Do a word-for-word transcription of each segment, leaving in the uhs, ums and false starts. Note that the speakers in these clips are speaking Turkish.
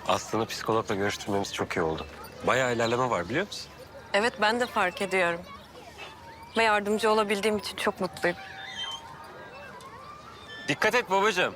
Aslı'nı psikologla görüştürmemiz çok iyi oldu. Bayağı ilerleme var biliyor musun? Evet, ben de fark ediyorum. Ve yardımcı olabildiğim için çok mutluyum. Dikkat et babacığım.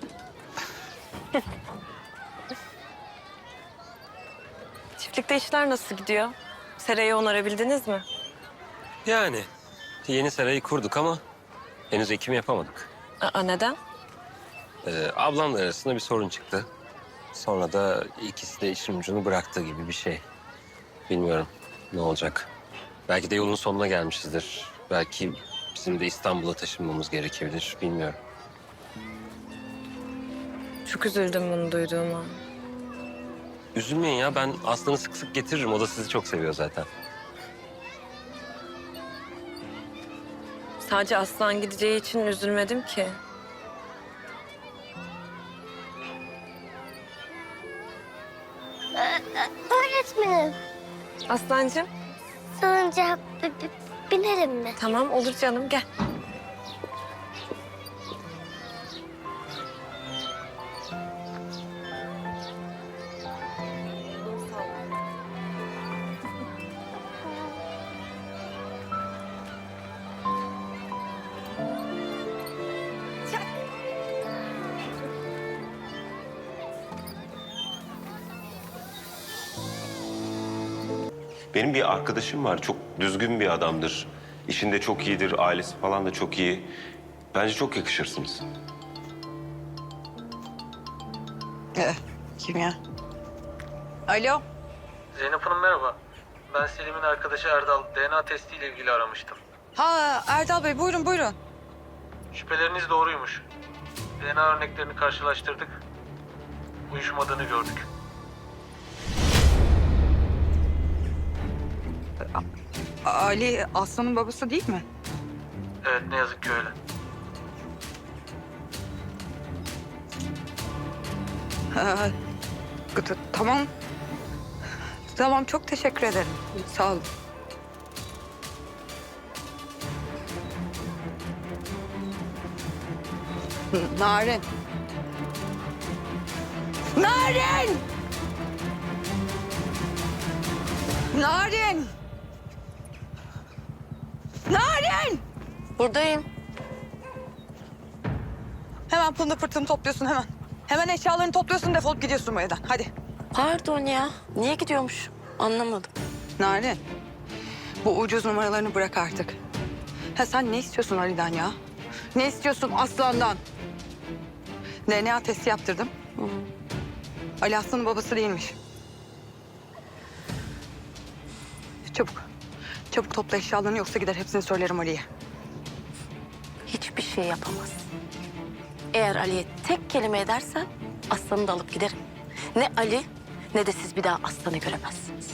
Çiftlikte işler nasıl gidiyor? Serayı onarabildiniz mi? Yani yeni serayı kurduk ama henüz ekim yapamadık. Aa, neden? Ee, ablamla arasında bir sorun çıktı. Sonra da ikisi de işin ucunu bıraktı gibi bir şey. Bilmiyorum ne olacak. Belki de yolun sonuna gelmişizdir. Belki bizim de İstanbul'a taşınmamız gerekebilir. Bilmiyorum. Çok üzüldüm bunu duyduğuma. Üzülmeyin ya, ben Aslı'nı sık sık getiririm. O da sizi çok seviyor zaten. Sadece Aslan gideceği için üzülmedim ki. Öğretmenim, Aslancığım, salıncağa b- b- binerim mi? tamam olur canım, gel. Benim bir arkadaşım var. Çok düzgün bir adamdır. İşinde çok iyidir. Ailesi falan da çok iyi. Bence çok yakışırsınız. Ee, kim ya? Alo. Zeynep Hanım merhaba. Ben Selim'in arkadaşı Erdal. D N A testiyle ilgili aramıştım. Ha Erdal Bey buyurun buyurun. Şüpheleriniz doğruymuş. D N A örneklerini karşılaştırdık. Uyuşmadığını gördük. Ali Aslan'ın babası değil mi? Evet ne yazık ki öyle. Ha, t- tamam. Tamam çok teşekkür ederim. Sağ olun. Narin. Narin! Narin! Narin! Buradayım. Hemen pılını pırtını topluyorsun hemen. Hemen eşyalarını topluyorsun, defolup gidiyorsun bu evden. Hadi. Pardon ya, niye gidiyormuş? Anlamadım. Narin, bu ucuz numaralarını bırak artık. Ha sen ne istiyorsun Ali'den ya? Ne istiyorsun Aslan'dan? D N A testi yaptırdım. Hı. Ali Aslan'ın babası değilmiş. Çabuk. Çabuk topla eşyalarını yoksa gider hepsini söylerim Ali'ye. Hiçbir şey yapamaz. Eğer Ali'ye tek kelime edersen Aslan'ı da alıp giderim. Ne Ali ne de siz bir daha Aslan'ı göremezsiniz.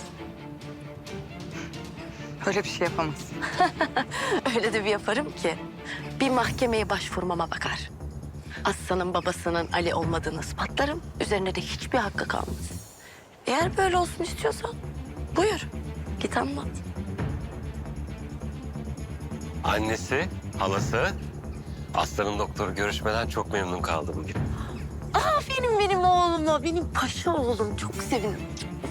Öyle bir şey yapamaz. Öyle de bir yaparım ki bir mahkemeye başvurmama bakar. Aslan'ın babasının Ali olmadığını ispatlarım. Üzerine de hiçbir hakkı kalmaz. Eğer böyle olsun istiyorsan buyur git anlat. Annesi, halası, Aslı'nın doktoru görüşmeden çok memnun kaldı bugün. Aferin benim oğluma, benim paşa oğlum. Çok sevindim.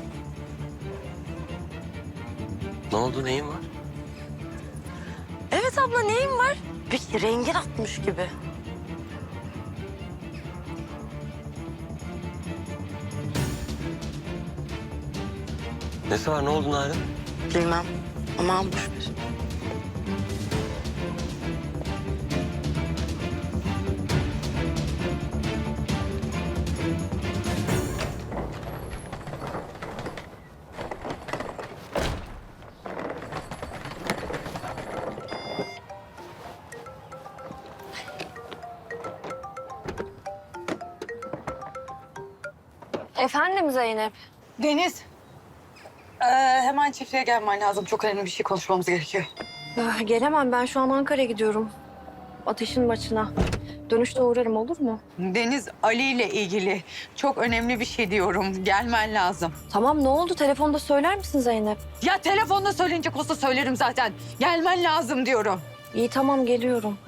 Ne oldu, neyin var? Evet abla neyin var? Bir rengin atmış gibi. Nesi var, ne oldu Narin? Bilmem. Aman boş ver. Efendim Zeynep? Deniz. Ee, hemen çiftliğe gelmen lazım. Çok önemli bir şey konuşmamız gerekiyor. Ah, gelemem, ben şu an Ankara'ya gidiyorum. Ateşin maçına. Dönüşte uğrarım, olur mu? Deniz, Ali ile ilgili çok önemli bir şey diyorum. Gelmen lazım. Tamam, ne oldu? Telefonda söyler misin Zeynep? Ya telefonla söyleyince olsa söylerim zaten. Gelmen lazım diyorum. İyi tamam, geliyorum.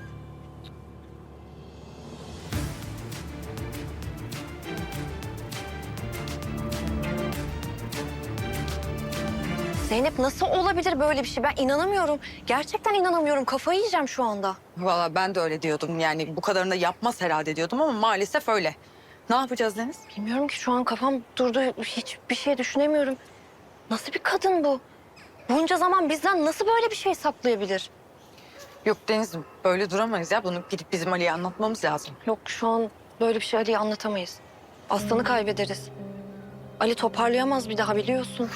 Zeynep nasıl olabilir böyle bir şey? Ben inanamıyorum. Gerçekten inanamıyorum. Kafayı yiyeceğim şu anda. Vallahi ben de öyle diyordum. Yani bu kadarını da yapmaz herhalde diyordum ama maalesef öyle. Ne yapacağız Deniz? Bilmiyorum ki şu an kafam durdu. Hiçbir şey düşünemiyorum. Nasıl bir kadın bu? Bunca zaman bizden nasıl böyle bir şey saklayabilir? Yok Deniz, böyle duramayız ya. Bunu gidip bizim Ali'ye anlatmamız lazım. Yok şu an böyle bir şey Ali'ye anlatamayız. Aslanı kaybederiz. Ali toparlayamaz bir daha biliyorsun.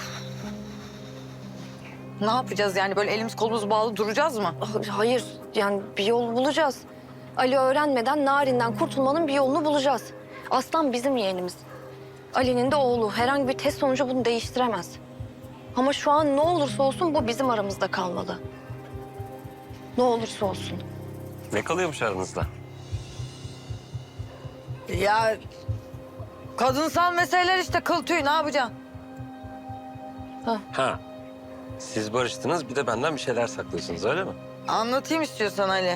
Ne yapacağız yani? Böyle elimiz kolumuz bağlı duracağız mı? Ah, hayır yani bir yol bulacağız. Ali öğrenmeden Narin'den kurtulmanın bir yolunu bulacağız. Aslan bizim yeğenimiz. Ali'nin de oğlu. Herhangi bir test sonucu bunu değiştiremez. Ama şu an ne olursa olsun bu bizim aramızda kalmalı. Ne olursa olsun. Ne kalıyormuş aranızda? Ya kadınsal meseleler işte, kıl tüy, ne yapacaksın? Ha. Siz barıştınız bir de benden bir şeyler saklıyorsunuz öyle mi? Anlatayım istiyorsan Ali.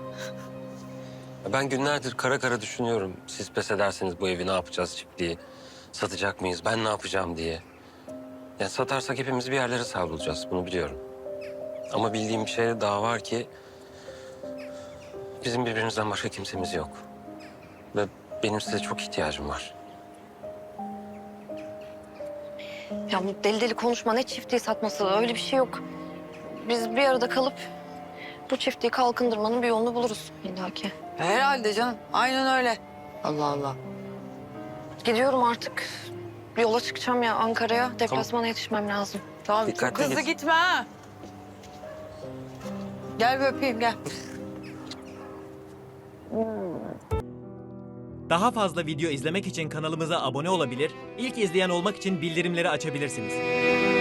Ben günlerdir kara kara düşünüyorum. Siz pes ederseniz bu evi ne yapacağız, çiftliği? Satacak mıyız? Ben ne yapacağım diye. Yani satarsak hepimiz bir yerlere savrulacağız. Bunu biliyorum. Ama bildiğim bir şey daha var ki... bizim birbirimizden başka kimsemiz yok. Ve benim size çok ihtiyacım var. Ya bu deli deli konuşma, ne çiftliği satması, öyle bir şey yok. Biz bir arada kalıp bu çiftliği kalkındırmanın bir yolunu buluruz illaki. Herhalde canım. Aynen öyle. Allah Allah. Gidiyorum artık. Bir yola çıkacağım ya Ankara'ya. Deplasmana yetişmem lazım. Tamam, Dikkatli çok hızlı git. gitme ha. Gel bir öpeyim, gel. Daha fazla video izlemek için kanalımıza abone olabilir, ilk izleyen olmak için bildirimleri açabilirsiniz.